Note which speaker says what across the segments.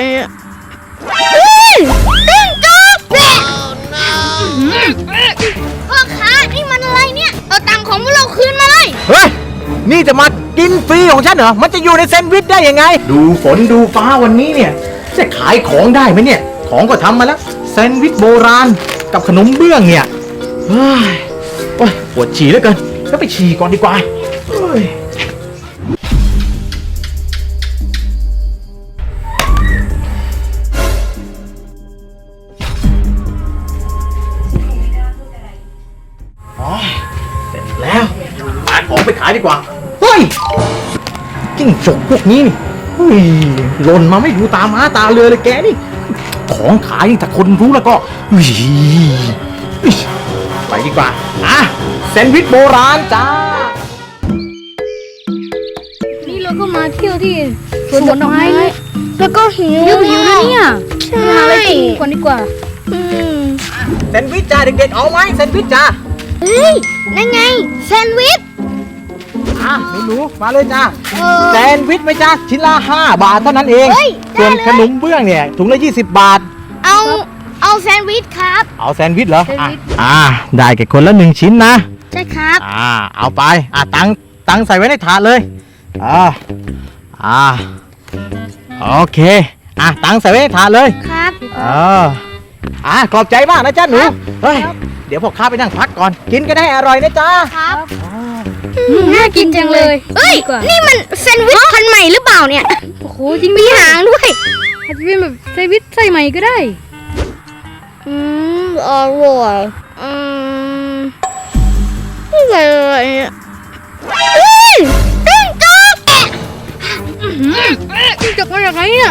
Speaker 1: เนี่ยจิ้งจกพ่อค้านี่มันอะไรเนี่ยเอาตังค์ของพวกเราคืนมาเลย
Speaker 2: เฮ้ยนี่จะมากินฟรีของฉันเหรอมันจะอยู่ในแซนด์วิชได้ยังไงดูฝนดูฟ้าวันนี้เนี่ยจะขายของได้ไหมเนี่ยของก็ทำมาแล้วแซนด์วิชโบราณกับขนมเบื้องเนี่ยเฮ้ยโอ้ยปวดฉี่เหลือเกินก็ไปฉี่ก่อนดีกว่าเฮ้ยเสร็จแล้วหาของไปขายดีกว่าเฮ้ยจิ้งจกพวกนี้นี่เฮ้ยหล่นมาไม่ดูตาม้าตาเรือเลยแกนี่ของขายถ้าคนรู้แล้วก็ไปดีกว่าอ่ะแซนด์วิชโบราณจ้า
Speaker 3: นี่เราก็มาเที่ยวที่สวนดอกไม้
Speaker 1: แล้วก็หิว
Speaker 3: นะเนี่ย
Speaker 1: ใช่
Speaker 3: หาอะไรกินก่อนดีกว่า
Speaker 2: แซนด์วิชจ้าเด็กๆเอาไหมแซนด์วิชจ้า
Speaker 1: เฮ้ยนั่นไงแซนด์วิช
Speaker 2: หนูมาเลยจ้าแซนด์วิชไหมจ้าชิ้นละ5 บาทเท่านั้นเองส่วนขนมเบื้องเนี่ยถุงละ20 บาท
Speaker 1: เอาแซนด์วิชครับ
Speaker 2: เอาแซนด์วิชเหรอได้แก่คนละ1 ชิ้นนะ
Speaker 1: ใช่ครับ
Speaker 2: เอาไปตังใส่ไว้ในถาดเลยโอเคตังใส่ไว้ในถาดเลย
Speaker 1: ครับ
Speaker 2: ขอบใจมากนะจ้าหนูเฮ้ยเดี๋ยวพวกข้าไปนั่งพักก่อนกินกันให้อร่อยนะจ้า
Speaker 1: ครับ
Speaker 3: น่ากินจังเลย
Speaker 1: เอ้ยนี่มันแซนด์วิชพันใหม่หรือเปล่าเนี่ย
Speaker 3: โอ้โหจริงมีหางด้วยอาจจะเป็นแบบแซนด์วิชใส่ใหม่ก็ได้
Speaker 1: อร่อยนี่อะไรเนี่ยจิ้งจก
Speaker 3: จิ้งจกมาจากไหนเนี่ย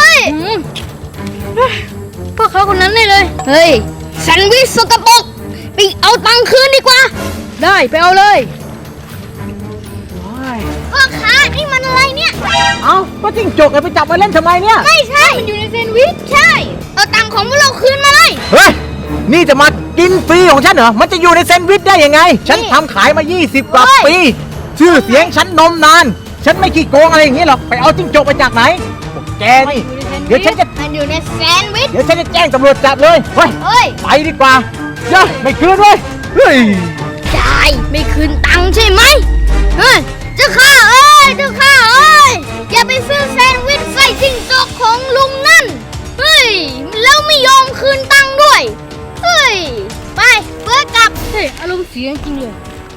Speaker 1: พวกเขาคนนั้นเลยเฮ้ยแซนด์วิชสกปรกไปเอาตังค์คืนดีกว่า
Speaker 3: ได้ไปเอาเลย
Speaker 1: พ่อค้านี่มันอะไรเนี่ย
Speaker 2: ก็จิ้งจกไปจับมาเล่นทำไมเนี่ย
Speaker 1: ไม่ใช่
Speaker 3: มันอยู่ในแซนด์วิช
Speaker 1: ใช่เอาตังค์ของพวกเราคืนมาเลย
Speaker 2: เฮ้ยนี่จะมากินฟรีของฉันเหรอมันจะอยู่ในแซนด์วิชได้ยังไงฉันทำขายมา20 กว่าปีชื่อเสียงฉันนมนานฉันไม่ขี้โกงอะไรอย่างนี้หรอกไปเอาจิ้งจกมาจากไหนแกนี่เดี๋ยวฉันจะ
Speaker 1: มันอยู่ในแซนด์วิช
Speaker 2: เดี๋ยวฉันจะแจ้งตำรวจจับเลยเฮ้ยไปดีกว่าไม่คืนเว้ย
Speaker 1: จ่ายไม่คืนตังค์ใช่ไหมเจ้าข้าอย่าไปซื้อแซนด์วิชใส่จิ้งจกของลุงนั่นแล้วไม่ยอมคืนตังค์ด้วยไปเพื่อกลับ
Speaker 3: อารมณ์เสียจริงเลย